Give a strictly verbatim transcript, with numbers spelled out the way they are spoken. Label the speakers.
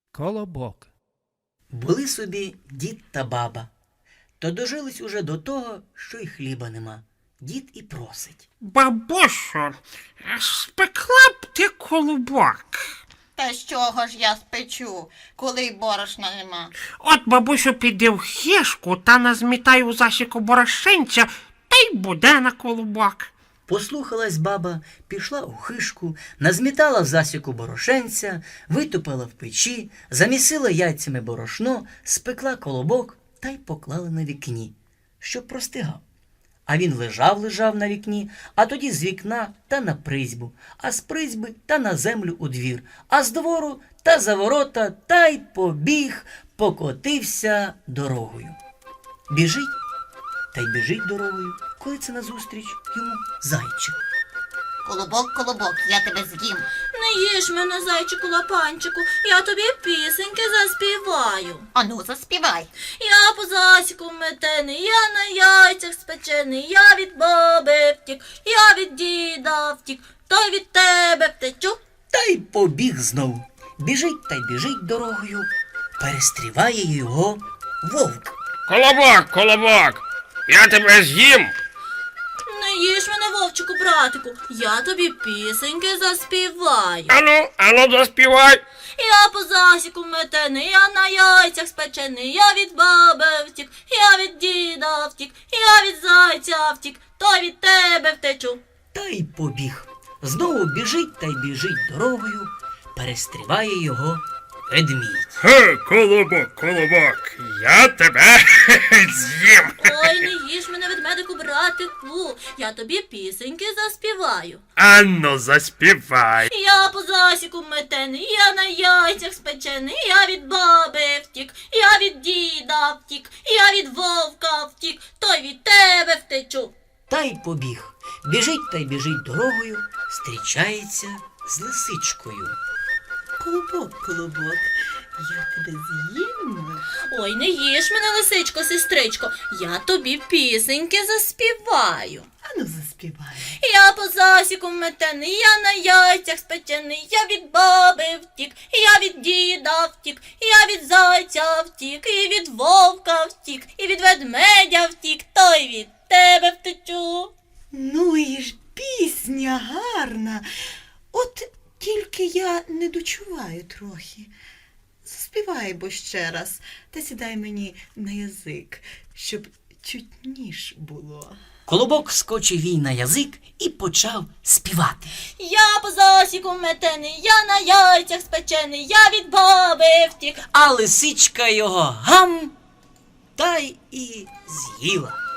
Speaker 1: Колобок.
Speaker 2: Були собі дід та баба. То дожились уже до того, що й хліба нема. Дід і просить.
Speaker 3: Бабусю, спекла б ти колобок.
Speaker 4: Та з чого ж я спечу, коли й борошна нема?
Speaker 3: От, бабусю, піди в хишку та назмітай у засіку борошенця, та й буде на колобок.
Speaker 2: Послухалась баба, пішла у хишку, назмітала в засіку борошенця, витопила в печі, замісила яйцями борошно, спекла колобок та й поклала на вікні, щоб простигав. А він лежав-лежав на вікні, а тоді з вікна та на призьбу, а з призьби та на землю у двір, а з двору та за ворота та й побіг, покотився дорогою. Біжить та й біжить дорогою, коли це назустріч йому зайчик.
Speaker 4: Колобок, колобок, я тебе з'їм.
Speaker 5: Не їж мене, зайчику лапанчику, я тобі пісеньки заспіваю.
Speaker 4: Ану, заспівай.
Speaker 5: Я по засіку метений, я на яйцях спечений, я від баби втік, я від діда втік, то й від тебе втечу.
Speaker 2: Та й побіг знову. Біжить та й біжить дорогою, перестріває його вовк.
Speaker 6: Колобок, колобок, я тебе з'їм.
Speaker 5: Не їж мене, вовчику, братику, я тобі пісеньки заспіваю.
Speaker 6: Ану, ану, заспівай.
Speaker 5: Я по засіку метений, я на яйцях спечений, я від баби втік, я від діда втік, я від зайця втік, то й від тебе втечу.
Speaker 2: Та й побіг. Знову біжить та й біжить дорогою, перестріває його ведмідь.
Speaker 6: Ге, колобок, колобок, я тебе з'їм.
Speaker 5: Ой, не їж мене, ведмедику, братику, я тобі пісеньки заспіваю.
Speaker 6: Ану, заспівай.
Speaker 5: Я по засіку метений, я на яйцях спечений, я від баби втік, я від діда втік, я від вовка втік, то й від тебе втечу.
Speaker 2: Та й побіг. Біжить та й біжить дорогою, зустрічається з лисичкою.
Speaker 7: Колобок, колобок, я тебе з'їм.
Speaker 5: Ой, не їж мене, лисичко, сестричко, я тобі пісеньки заспіваю.
Speaker 7: Ану, заспівай.
Speaker 5: Я по засіку метений, я на яйцях спечений, я від баби втік, я від діда втік, я від зайця втік, і від вовка втік, і від ведмедя втік, то й від тебе втечу.
Speaker 7: Ну і ж пісня гарна. От тільки я не дочуваю трохи. Заспівай бо ще раз, та сідай мені на язик, щоб чутніш було.
Speaker 2: Колобок скочив їй на язик і почав співати.
Speaker 5: Я по засіку метений, я на яйцях спечений, я від баби втік.
Speaker 2: А лисичка його гам та й і з'їла.